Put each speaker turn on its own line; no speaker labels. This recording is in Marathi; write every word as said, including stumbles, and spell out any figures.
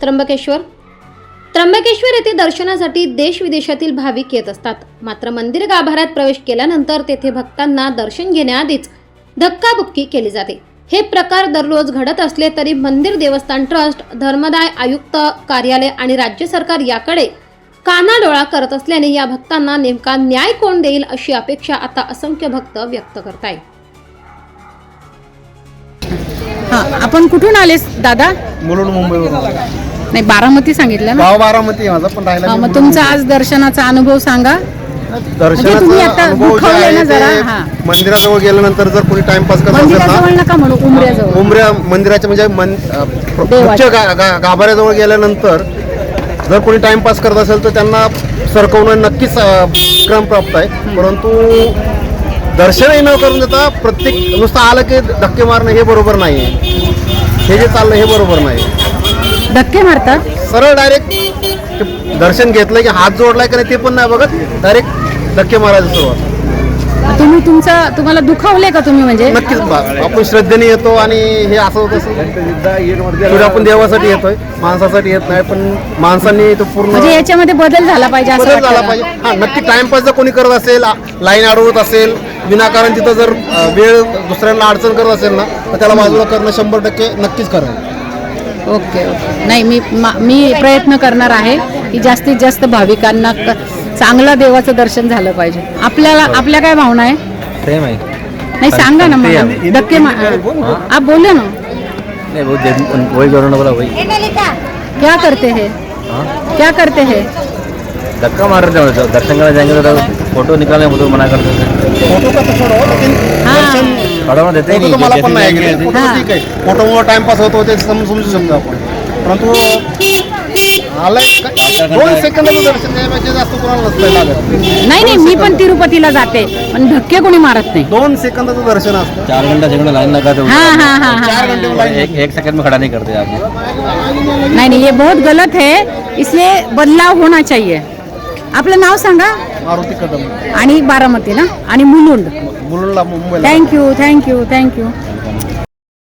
त्र्यंबकेश्वर त्र्यंबकेश्वर येथे दर्शनासाठी देश विदेशातील भाविक येत असतात. मात्र मंदिर गाभाऱ्यात प्रवेश केल्यानंतर तेथे भक्तांना दर्शन घेण्याआधीच धक्काबुक्की केली जाते. हे प्रकार दररोज घडत असले तरी मंदिर देवस्थान ट्रस्ट, धर्मदाय आयुक्त कार्यालय आणि राज्य सरकार याकडे कानाडोळा करत असल्याने या भक्तांना नेमका न्याय कोण देईल अशी अपेक्षा आता असंख्य भक्त व्यक्त करतायत.
हा, आपण कुठून आलेस दादा?
मुलुंड मुंबईवरून.
नाही, बारामती सांगितलं ना.
गाव बारामती आहे माझा, पण राहिला
हा,
मी
मग
मुलुंड
तुमचा
मुंबई.
आज दर्शनाचा अनुभव सांगा. म्हणजे
दर्शनाचा
तुम्ही आता
अनुभव जे
दुखावले
आहे
ना जरा.
ते
हा,
मंदिराजवळ गेल्यानंतर जर कोणी टाइमपास करत असेल
मंदिराजवळ
ना,
नका म्हणू, उमऱ्याजवळ.
उमऱ्या मंदिराच्या म्हणजे मन- अ,
देवाच्या.
मुख्य गा- गा- गाभाऱ्याजवळ गेल्यानंतर जर कोणी टाइमपास करत असेल तर त्यांना सरकवणं नक्कीच अ, क्रमप्राप्त आहे. परंतु दर्शनही न करून देता प्रत्येक नुसतं आलं की धक्के मारणं हे बरोबर नाही आहे. हे जे चाललं हे बरोबर नाही.
धक्के मारतात.
सरळ डायरेक्ट दर्शन घेतलं की हात जोडलाय का नाही ते पण नाही बघत, डायरेक्ट धक्के मारायला सुरुवात.
तुम्ही तुमचा तुम्हाला दुखावले का तुम्ही? म्हणजे
नक्कीच बा- आपण श्रद्धेने येतो आणि हे असं होत असं आपण देवासाठी येतोय, माणसासाठी येत नाही. पण माणसांनी तो पूर्ण
म्हणजे याच्यामध्ये बदल झाला पाहिजे असं
बदल झाला
वाटतं
पाहिजे.
का?
हा, नक्की टाइमपास जर कोणी करत असेल, लाईन अडवत असेल, विनाकारण तिथं जर अ, वेळ दुसऱ्यांना अडचण करत असेल ना, तर त्याला बाजूला करणं शंभर टक्के नक्कीच करायचं.
Okay okay. नाही, मी मा- मी प्रयत्न करणार आहे की जास्तीत जास्त भाविकांना क- चांगलं देवाचं दर्शन झालं पाहिजे. आपल्याला आपल्या काय भावना आहे?
सेम है।
नाही, सांगा ना मला. धक्के मा- आप बोले ना.
नहीं वो दे- वही करो ना, बोला वही।
क्या करते हैं?
हाँ,
क्या करते हैं?
धक्का मार रहे थे। दर्शन करने जाएंगे तो फोटो निकालने फोटो मना करते थे।
फोटो का तो छोड़ो, लेकिन
हाँ.
दर्शन
फोटो में देते ही
फोटो
नहीं।
तो मला पण
जैसे
नाही
जाएंगे
गेले.
ऐसे-
फोटो ठीक आहे, फोटोमुळे टाइमपास होतो ते सम- समजू शकतो आपण. परंतु आलाय का- दोन सेकंदाचं दर्शन घ्यायपेक्षा जास्त कोणाला नसतं लागत.
नाही नाही, मी पण तिरुपतीला जाते, पण धक्के कोणी मारत नाही.
दोन सेकंदाचं दर्शन असतं.
चार घंटा छह घंटा लाइन लगाते
हाँ हाँ हाँ
चार
हाँ.
घंटे में लाइन
एक एक सेकंड में खड़ा नहीं करते आप।
नहीं नहीं, ये बहुत गलत है, इसलिए बदलाव होना चाहिए. आपलं नाव सांगा.
मारुती कदम,
आणि बारामती ना, आणि मुलुंड.
मुलुंडला मुंबईला.
Thank you thank you thank you.